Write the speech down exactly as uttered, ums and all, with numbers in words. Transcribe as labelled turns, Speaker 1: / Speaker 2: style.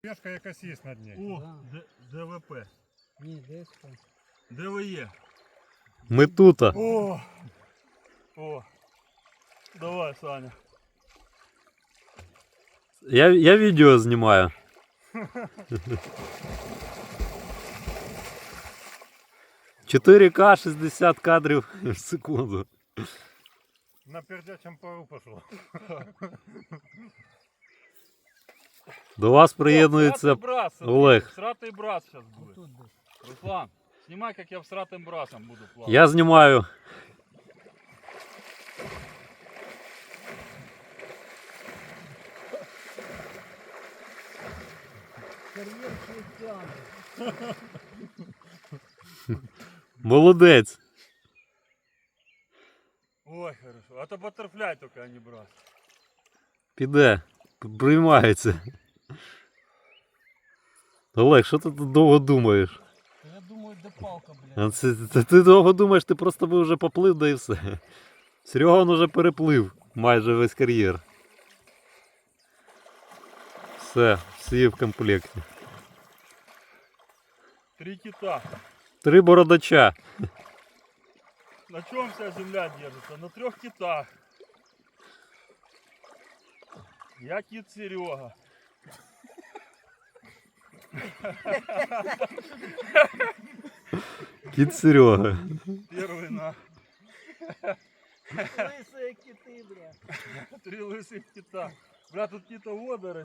Speaker 1: Пешка якась є на дні.
Speaker 2: О,
Speaker 3: Да.
Speaker 2: Д- ДВП.
Speaker 3: Ні, десь там.
Speaker 2: ДВЕ.
Speaker 4: Ми тут.
Speaker 2: О! О! Давай, Саня.
Speaker 4: Я, я відео знімаю. чотири ка шістдесят кадрів в секунду.
Speaker 1: На пердячому пару пішло.
Speaker 4: До вас приєднується
Speaker 2: брас,
Speaker 4: Олег.
Speaker 2: Всратый брас сейчас будет.
Speaker 3: Тут десь.
Speaker 2: Руслан, снимай, как я всратым брасом буду плавать.
Speaker 4: Я знімаю.
Speaker 3: Кар'єр швидкян.
Speaker 4: Молодець.
Speaker 2: Ой, хорошо. А то баттерфляй только, а не брас.
Speaker 4: Піде. Приймається. Олег, що ти тут довго думаєш?
Speaker 3: Я думаю, де палка, блядь.
Speaker 4: А це, це, ти довго думаєш, ти просто би вже поплив, да і все. Серега вже переплив майже весь кар'єр. Все, всі в комплекті.
Speaker 2: Три кита.
Speaker 4: Три бородача.
Speaker 2: На чем вся земля держится? На трех китах. Я кит Серега.
Speaker 4: Кіт Серега.
Speaker 2: Первый на
Speaker 3: Лисые кити, блядь.
Speaker 2: три лысых кита. Бля, тут какие-то водоросли.